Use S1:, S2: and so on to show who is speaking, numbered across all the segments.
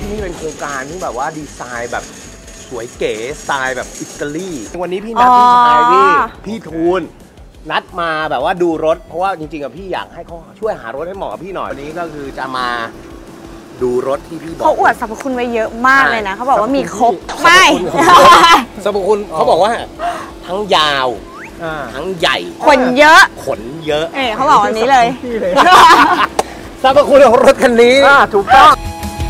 S1: ที่นี่เป็นโครงการที่แบบว่าดีไซน์แบบสวยเก๋สไตล์แบบอิตาลีวันนี้พี่นัดพี่ชายพี่ทูลนัดมาแบบว่าดูรถเพราะว่าจริงๆกับพี่อยากให้เขาช่วยหารถให้เหมาะกับพี่หน่อยวันนี้ก็คือจะมาดูรถที่พี่บอก
S2: เขาอวดสรรพคุณไว้เยอะมากเลยนะเขาบอกว่ามีครบ
S1: ไม่สรรพคุณเขาบอกว่าทั้งยาวทั้งใหญ่
S2: ขนเยอะเขาบอกวันนี้เลย
S1: สรรพคุณของรถคันนี้ถูกต้อง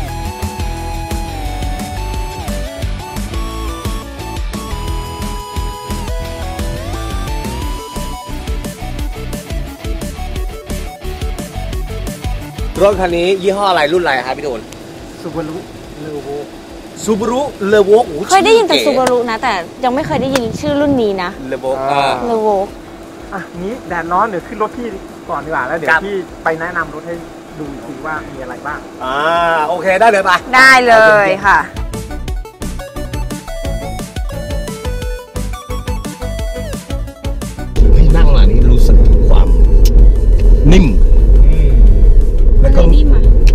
S1: รถคันนี้ยี่ห้ออะไรรุ่นอะไรครับพี่โดน
S3: ซูบารุเลโว
S2: เคยได้ยินแต่ซูบารุนะแต่ยังไม่เคยได้ยินชื่อรุ่นนี้นะ
S1: เลโว
S3: นี้แดดร้อนเดี๋ยวขึ้นรถพี่ก่อนดีกว่าแล้วเดี๋ยวพี่ไปแนะนำรถให้ดูอีกทีว่ามีอะไรบ้าง
S1: โอเคได้เลยปะ
S2: ได้เลยค่ะ
S1: พี่นั่งมานี่รู้สึกถึงความนิ่มแล้วก็
S2: นิ่ม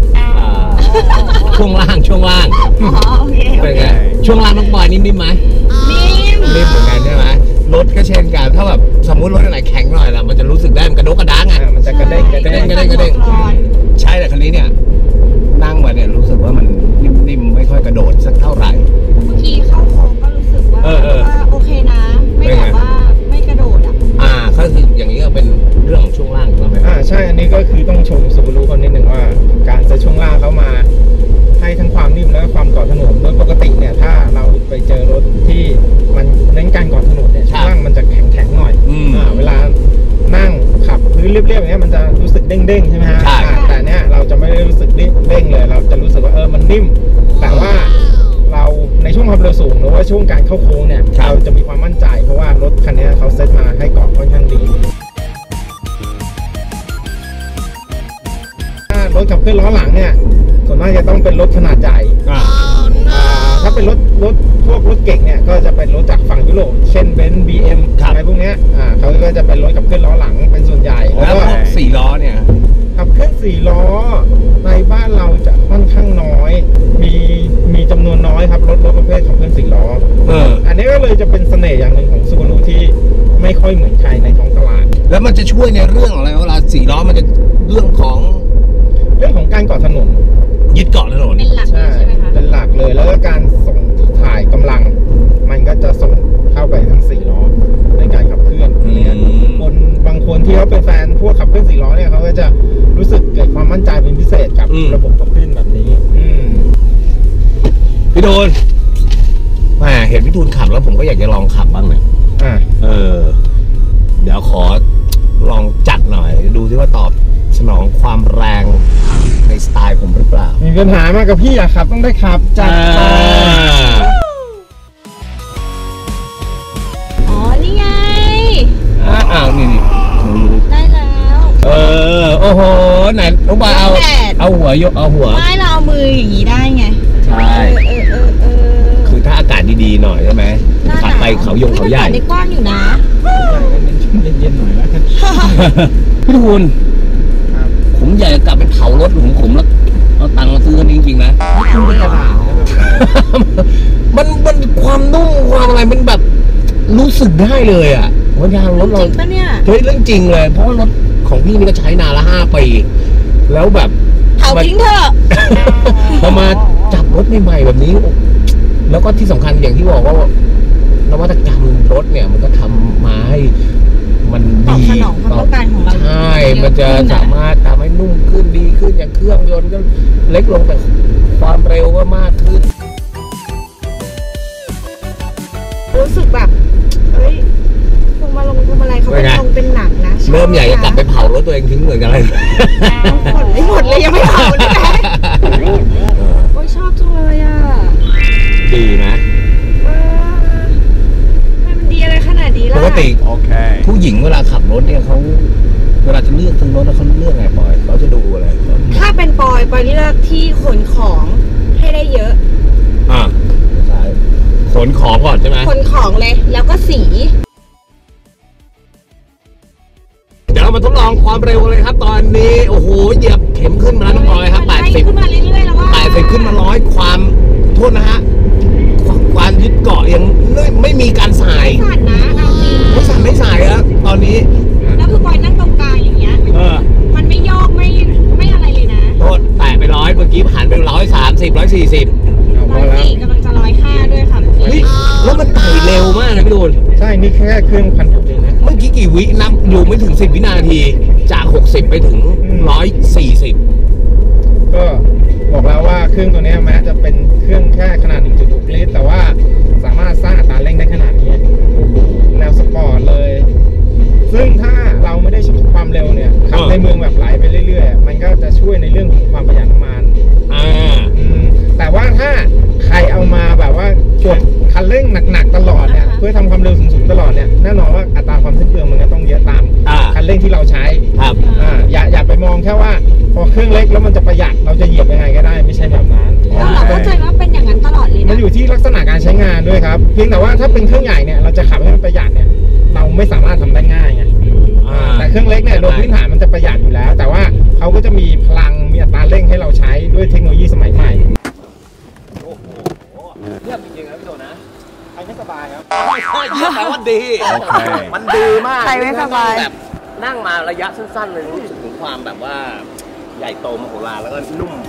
S1: ช่วงล่างเป็นไงช่วงล่างน้องบอยนิ่มไหมนิ่มเหมือนกันใช่ไหมรถก็เช่นกันถ้าแบบสมมุติรถอะไรแข็งหน่อยล่ะมันจะรู้สึกได้มันกระดกกระด้างไง
S3: มันจะกระเด้ง
S1: ใช่แต่คันนี้เนี่ยนั่งมาเนี่ยรู้สึกว่ามันนิ่มไม่ค่อยกระโดดสักเท่าไหร่
S2: บางทีเข้าโค้งก็รู้สึกว่าโอเคนะไม่แบบว่าไม่กระโดด
S1: ก็คืออย่างนี้ก็เป็นเรื่องของช่วงล่างใช่ไหม
S3: ใช่อันนี้ก็คือต้องชมซูบารุคนนิดหนึ่งว่าการใส่ช่วงล่างเขามาให้ทั้งความนิ่มและความเกาะถนนโดยปกติเนี่ยถ้าเราไปเจอรถที่มันเน้นการเกาะถนนเนี่ยช่วงล่างมันจะแข็งหน่อยเวลานั่งขับพื้นเรียบๆอย่างเงี้ยมันจะรู้สึกเด้งๆใช่ไหมฮะแต่เนี้ยเราจะไม่ได้รู้สึกเด้งเลยเราจะรู้สึกว่ามันนิ่มแต่ว่าเราในช่วงความเร็วสูงหรือว่าช่วงการเข้าโค้งเนี่ยเราจะมีความมั่นใจเพราะว่ารถคันนี้เขาเซตมาให้เกาะค่อนข้างดีรถขับเคลื่อนล้อหลังเนี่ยส่วนมากจะต้องเป็นรถขนาดใหญ่ถ้าเป็นรถพวกรถเก่งเนี่ยก็จะเป็นรถจากฝั่งยุโรปเช่นเบนซ์ BM อะไรพวกนี้เขาก็จะเป็นรถขับเคลื่อนล้อหลังเป็นส่วนใหญ่
S1: แล้วก็4 ล้อเนี่ย
S3: ขับเคลื่อน4 ล้อในบ้านเราจะค่อนข้างน้อยมีจำนวนน้อยครับรถประเภทขับเคลื่อน4 ล้ออันนี้ก็เลยจะเป็นเสน่ห์อย่างหนึ่งของซูบารุที่ไม่ค่อยเหมือนใครในท้องตลาด
S1: แล้วมันจะช่วยในเรื่องอะไรเวลา4 ล้อมันจะเรื่องของ
S3: การเกาะถนน
S1: ยึดเกาะถนน
S2: เป็นหลักใช่ไหมคะ
S3: เป็นหลักเลยแล้วก็การส่งถ่ายกำลังมันก็จะส่งเข้าไปทั้ง4 ล้อในการขับเคลื่อนบางคนที่เขาเป็นแฟนพวกขับเคลื่อน4 ล้อเนี่ยเขาก็จะรู้สึกเกิดความมั่นใจเป็นพิเศษกับระบบขับเคลื่อนแบบนี้
S1: พี่ทูลเห็นพี่ทูลขับแล้วผมก็อยากจะลองขับบ้างเนี่ยเดี๋ยวขอลองจัดหน่อยดูซิว่าตอบสนองความแรงในสไตล์ผมหรือเปล่า
S3: มีปัญหามากกับพี่อยากขับต้องได้ขับจัด
S2: นี่ไง
S1: นี่
S2: ได้แล้ว
S1: โอ้โหไหนลูกบอลเอาหัวยกเอาหัว
S2: ไม่เราเอามืออย่างนี้ได้ไง
S1: ใช่คือถ้าอากาศดีๆหน่อยใช่ไหมขับไปเขาใหญ่
S2: ได้กว้างอยู่นะ
S3: เย็นๆหน่อยแล้วกัน
S1: พี่ทูลผมอยากจะกลับไปเผารถของผมแล้วเอาตังค์มาซื้อกันจริงๆนะมันความนุ่มความอะไรมันแบบรู้สึกได้เลยอ่ะว่ายางรถเรา
S2: จริงปะเนี่ย
S1: เฮ้ยเรื่องจริงเลยเพราะรถของพี่นี่ก็ใช้นานละ5 ปีแล้วแบบ
S2: เผาทิ้งเถอะ
S1: พอมาจับรถใหม่ๆแบบนี้แล้วก็ที่สำคัญอย่างที่บอกว่านวัตกรรมรถเนี่ยมันก็ทำมาให้มันดี
S2: สนองความต้องการของเรา
S1: ใช่มันจะสามารถทำให้นุ่มขึ้นดีขึ้นอย่างเครื่องยนต์ก็เล็กลงแต่ความเร็วก็มากขึ้น
S2: รู้สึกแบบพวงมาลัยเขาเป็นทองเป็นหนังนะ
S1: เริ่มใหญ่จะกลับไปเผารถตัวเองทิ้งเหมือนกันเลย
S2: หมดเลยยังไม่เผานี่แหละโอ้ยชอบจังเลยอ่ะ
S1: ดีนะ
S2: มันดีอะไรขนาดนี้ล่ะ
S1: ปกติผู้หญิงเวลาขับรถเนี่ยเขาเวลาจะเลือกซื้อรถแล้วเขาเลือกไงปอยเขาจะดูอะไร
S2: ถ้าเป็นปอยเลือกที่ขนของให้ได้เยอะ
S1: ขนของก่อนใช่ไหม
S2: ขนของเลยแล้วก็สี
S1: เดี๋ยวเรามาทดลองความเร็วเลยครับตอนนี้โอ้โหเหยียบเข็มขึ้นมาแล้วน้องปอยครับ80
S2: ขึ้นมาเรื่อยๆแล้วว่า
S1: 80ขึ้นมา100ความโทษนะฮะความยึดเกาะยังไม่มีการสาย
S2: สั่นนะเอาจริง
S1: ไม่สายครับตอนนี้
S2: แล้วคือปอยนั่งตรงกลางอย่างเงี้ยมันไม่โยกไม่อะไรเลยนะ
S1: โทษแตะไป100เมื่อกี้ผ่านไป130 140
S2: 104กำลังจะ105ด้วยค่ะเมื่อ
S1: เฮ้ย
S2: กี้
S1: แล้วมันไต่เร็วมากนะพี่ตูน
S3: ใช่นี่แค่เครื่องพันเองนะ
S1: เมื่อกี้กี่วินับอยู่ไม่ถึง10 วินาทีจาก60ไปถึง140
S3: ก็บอกแล้วว่าเครื่องตัวนี้แม้จะเป็นเครื่องแค่ขนาด 1.6 ลิตรแต่ว่าสามารถสร้างอัตราเร่งได้ขนาดนี้แนวสปอร์ตเลย ซึ่งถ้าเราไม่ได้ใช้ความเร็วเนี่ยขับในเมืองแบบไหลไปเรื่อยๆมันก็จะช่วยในเรื่องของความประหยัดน้ำมันแต่ว่าถ้าใครเอามาแบบว่ากดคันเร่งหนักๆตลอดเนี่ยเพื่อทำความเร็วสูงๆตลอดเนี่ยแน่นอนว่าอัตราความสิ้นเปลืองมันก็ต้องเยอะตามคันเร่งที่เราใช้
S1: ครับ
S3: อย่าไปมองแค่ว่าพอเครื่องเล็กแล้วมันจะประหยัดเราจะเหยียบยังไงก็ได้ไม่ใช่แบบนั้น
S2: เราเข้าใจว่าเป็นอย่างนั้นตลอดเลยนะ
S3: มันอยู่ที่ลักษณะการใช้งานด้วยครับเพียงแต่ว่าถ้าเป็นเครื่องใหญ่เนี่ยเราจะขับให้มันประหยัดเนี่ยเราไม่สามารถทำได้ง่ายไงแต่เครื่องเล็กเนี่ยโดยพื้นฐานมันจะประหยัดอยู่แล้วแต่ว่าเขาก็จะมีพลังมีอัตราเร่งให้เราใช้ด้วยเทคโนโลยีสมัยใหม่
S1: โอ้โหเยี่ยมจริงๆครับพี่โตนะ
S3: ใช้ไม่สบายครับ
S1: แต่ว่าดีมันดีมาก
S2: ใช้ไม่สบาย
S1: แบบนั่งมาระยะสั้นๆเลยรู้สึกถึงความแบบว่าใหญ่โตมโหฬารแล้วก็นุ่ม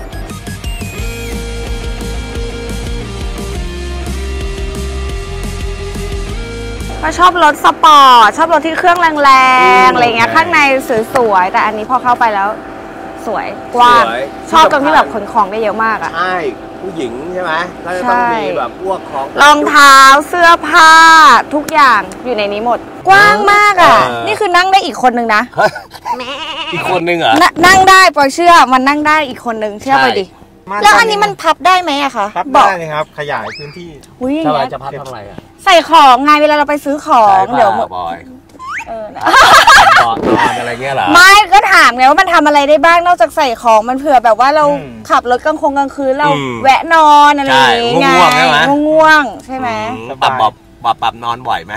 S2: ก็ชอบรถสปอร์ตชอบรถที่เครื่องแรงๆอะไรเงี้ยข้างในสวยๆแต่อันนี้พอเข้าไปแล้วสวยกว้างชอบตรงที่แบบขนของได้เยอะมากอ่ะ
S1: ใช่ผู้หญิงใช่ไหมก็จะต้องมีแบบพวกของ
S2: รองเท้าเสื้อผ้าทุกอย่างอยู่ในนี้หมดกว้างมากอ่ะนี่คือนั่งได้อีกคนนึงนะ
S1: อีกคนนึงเหรอ
S2: นั่งได้ปอยเชื่อมันนั่งได้อีกคนนึงเชื่อไปดิแล้วอันนี้มันพับได้ไหมอะคะ
S3: พับได้เลยครับขยายพื้นที่
S1: ทำไมจะพับทำอะไรอะ
S2: ใส่ของไงเวลาเราไปซื้อของเดี๋ยว
S1: บอยนอนอะไรเงี้ยเหรอ
S2: ไม่ก็ถามไงว่ามันทำอะไรได้บ้างนอกจากใส่ของมันเผื่อแบบว่าเราขับรถกลางคืนเราแวะนอนอะไรอย่างเงี้ยง่วงใช่ไหม
S1: ปรับนอนบ่อยไหม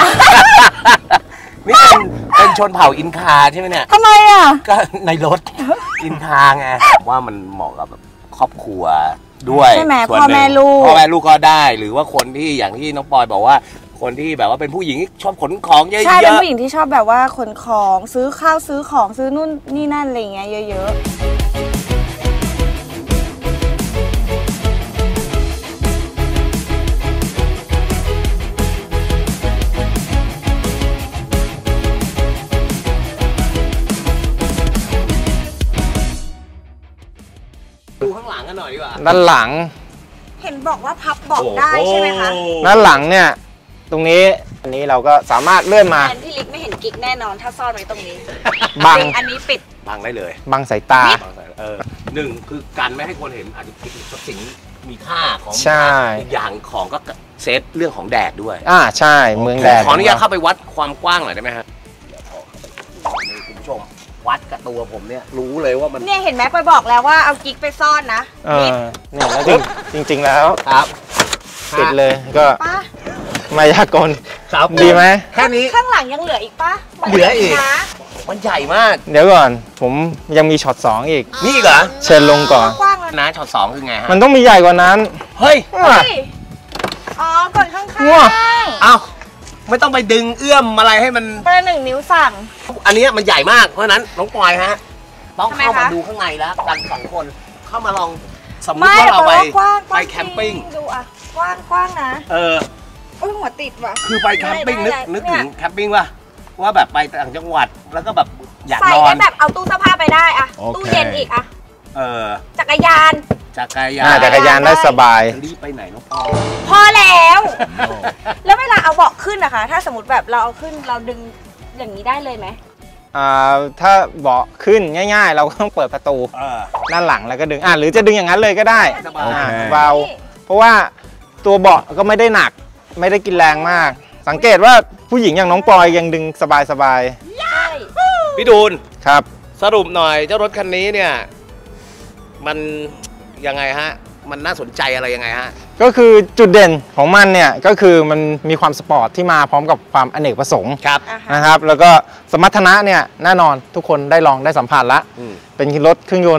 S1: นี่เป็นชนเผ่าอินคาใช่ไหมเนี่ย
S2: ทำไมอ่ะ
S1: ก็ในรถอินคาไงว่ามันเหมาะกับครอบครัวด้วย
S2: ใช่ไหมพ่อแม่ลูก
S1: ก็ได้หรือว่าคนที่อย่างที่น้องปอยบอกว่าคนที่แบบว่าเป็นผู้หญิงชอบขนของเยอะๆ
S2: ใช่เป็นผู้หญิงที่ชอบแบบว่าขนของซื้อข้าวซื้อของซื้อนู่นนี่นั่นอะไรเงี้ยเยอะ
S1: ดูข้างหลังกันหน่อยดีกว่า
S3: ด้านหลัง
S2: เห็นบอกว่าพับเบาะได้ใช่ไหมคะ
S3: ด้านหลังเนี่ยตรงนี้อันนี้เราก็สามารถเลื่อนมา
S2: พี่ลิกไม่เห็นกิ๊กแน่นอนถ้าซ่อนไว้ตรงนี้
S3: บัง
S2: อันนี้ปิด
S1: บังได้เลย
S3: บังสายตา
S1: หนึ่งคือการไม่ให้คนเห็นอาจจะคิดทรัพย์สินมีค่าของ
S3: ใช่
S1: อีกอย่างของก็เซฟเรื่องของแดดด้วย
S3: ใช่เมืองแดด
S1: ขออนุญาตเข้าไปวัดความกว้างหน่อยได้ไหมฮะคุณผู้ชมวัดกับตัวผมเนี่ยรู้เลยว่ามัน
S2: เนี่ยเห็นไหมไปบอกแล้วว่าเอากิ๊กไปซ่อนนะ
S3: นี่แล้วจริงแล้ว
S1: ครับ
S3: ติดเลยก็มายากลดีไหม
S1: แค่นี้
S2: ข้างหลังยังเหลืออีกปะ
S1: เหลืออีกมันใหญ่มาก
S3: เดี๋ยวก่อนผมยังมีช็อต2อีก
S1: นี่เหรอ
S3: เชิญลงก่อน
S1: นะช็อต2คือไงฮะ
S3: มันต้องมีใหญ่กว่านั้น
S1: เฮ้ย
S2: อ๋อก่อนข้าง
S1: ๆเอ้าไม่ต้องไปดึงเอื้อมอะไรให้มัน
S2: ประ1 นิ้วสั่ง
S1: อันนี้มันใหญ่มากเพราะนั้นน้องปอยฮะต้องเข้ามาดูข้างในแล้วกัน2 คนเข้ามาลองสมมติว่าเราไปแคมปิ้ง
S2: ดูอ่ะกว้างนะโอ้ยหัวติดว่ะ
S1: คือไปแคมปิ้งนึกถึงแคมปิ้งว่าแบบไปต่างจังหวัดแล้วก็แบบอยากนอน
S2: ใส่ได้แบบเอาตู้เสื้อผ้าไปได้อะตู้เย็นอีกอะจักรยาน
S3: ได้สบาย
S1: รีบไปไหนน้องปอ
S2: พอแล้วแล้วเวลาเอาเบาะขึ้นนะคะถ้าสมมติแบบเราเอาขึ้นเราดึงอย่างนี้ได้เลยไหม
S3: ถ้าเบาะขึ้นง่ายๆเราก็ต้องเปิดประตูด้านหลังแล้วก็ดึงหรือจะดึงอย่างนั้นเลยก็ได้เบาเพราะว่าตัวเบาะก็ไม่ได้หนักไม่ได้กินแรงมากสังเกตว่าผู้หญิงอย่างน้องปอยยังดึงสบาย
S1: พี่ดูน
S3: ครับ
S1: สรุปหน่อยเจ้ารถคันนี้เนี่ยมันยังไงฮะมันน่าสนใจอะไรยังไงฮะ
S3: ก็คือจุดเด่นของมันเนี่ยก็คือมันมีความสปอร์ตที่มาพร้อมกับความอเนกประสงค์นะครับแล้วก็สมรรถนะเนี่ยแน่นอนทุกคนได้ลองได้สัมผัสละเป็นรถเครื่องยนต์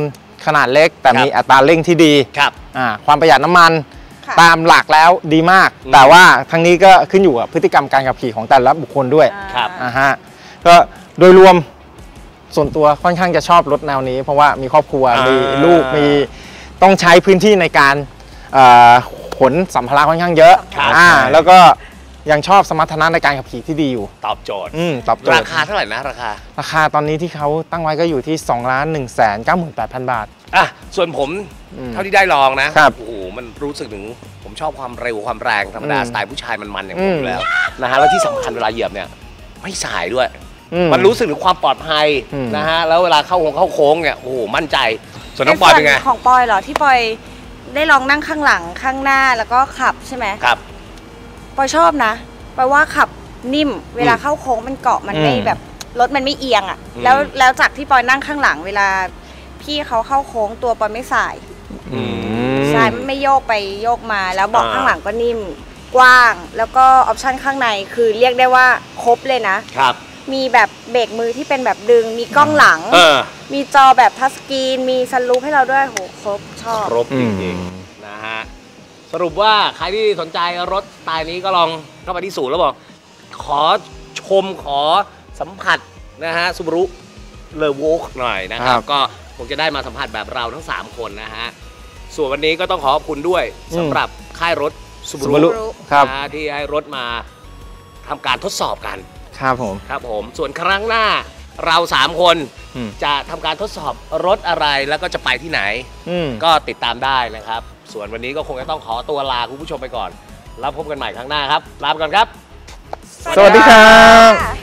S3: ขนาดเล็กแต่มีอัตราเร่งที่ดี
S1: ครับ
S3: ความประหยัดน้ำมัน
S2: ค่ะ
S3: ตามหลักแล้วดีมาก แต่ว่าทั้งนี้ก็ขึ้นอยู่กับพฤติกรรมการขับขี่ของแต่ละบุคคลด้วย
S1: ครับ
S3: ฮะก็โดยรวมส่วนตัวค่อนข้างจะชอบรถแนวนี้ เพราะว่ามีครอบครัวมีลูกมีต้องใช้พื้นที่ในการขนสัมภาระค่อนข้างเยอะ
S1: ครับ
S3: แล้วก็ยังชอบสมรรถนะในการขับขี่ที่ดีอยู่
S1: ตอบโจทย์
S3: ตอบโจท
S1: รา
S3: ย์
S1: คาเท่าไหร่นะราคา
S3: ตอนนี้ที่เขาตั้งไว้ก็อยู่ที่ 2,198,000 บาท
S1: อ่ะส่วนผม
S3: อืม
S1: เท่าที่ได้ลองนะครับ โอ้โหมันรู้สึกถึงผมชอบความเร็วความแรงธรรมดา
S3: อืม
S1: สไตล์ผู้ชายมันๆอย่างผม
S3: อืม
S1: อยู่แล้วนะฮะแล้วที่สำคัญเวลาเหยียบเนี่ยไม่สายด้วย
S3: อื
S1: มันรู้สึกถึงความปลอดภัย
S3: อืม
S1: นะฮะแล้วเวลาเข้าโค้งเนี่ยโอ้โหมั่นใจ ส่วนน้องปอยเป็นไง
S2: ใส่ของปอยเหรอที่ปอยได้ลองนั่งข้างหลังข้างหน้าแล้วก็ขับใช่ไหม
S1: ครับ
S2: ปอยชอบนะปอยว่าขับนิ่มเวลาเข้าโค้งมันเกาะมันไม่
S3: อืม
S2: แบบรถมันไม่เอียงอ่ะ
S1: อืม
S2: แล้วจากที่ปอยนั่งข้างหลังเวลาพี่เขาเข้าโค้งตัวปอยไม่สาย
S1: อืม
S2: ใช่มันไม่โยกไปโยกมาแล้วเบาะ
S1: อ่า
S2: ข้างหลังก็นิ่มกว้าง แล้วก็ออปชั่นข้างในคือเรียกได้ว่าครบเลยนะ
S1: ครับ
S2: มีแบบเบรกมือที่เป็นแบบดึงมีกล้องหลัง
S1: เออ
S2: มีจอแบบทัชสกรีนมีซันรูฟให้เราด้วยโหครบชอบ
S1: ครบจริงๆนะฮะสรุปว่าใครที่สนใจรถสไตล์นี้ก็ลองเข้าไปที่ศูนย์แล้วบอกขอชมขอสัมผัสนะฮะซูบารุเลอโวกหน่อยนะค
S3: ครั
S1: รับบ ก็คงจะได้มาสัมผัสแบบเราทั้ง 3 คนนะฮะส่วนวันนี้ก็ต้องขอขอบคุณด้วยสำหรับค่ายรถซูบา
S3: Subaru
S1: รุ
S3: ครับ
S1: นะฮะที่ให้รถมาทำการทดสอบกัน
S3: ครับผม
S1: ครับผมส่วนครั้งหน้าเรา 3 คน
S3: อืม
S1: จะทำการทดสอบรถอะไรแล้วก็จะไปที่ไหน ก็ติดตามได้นะครับ ส่วนวันนี้ก็คงจะต้องขอตัวลาคุณผู้ชมไปก่อน แล้วพบกันใหม่ครั้งหน้าครับ ลาไปก่อนครับ
S3: สวัสดีครับ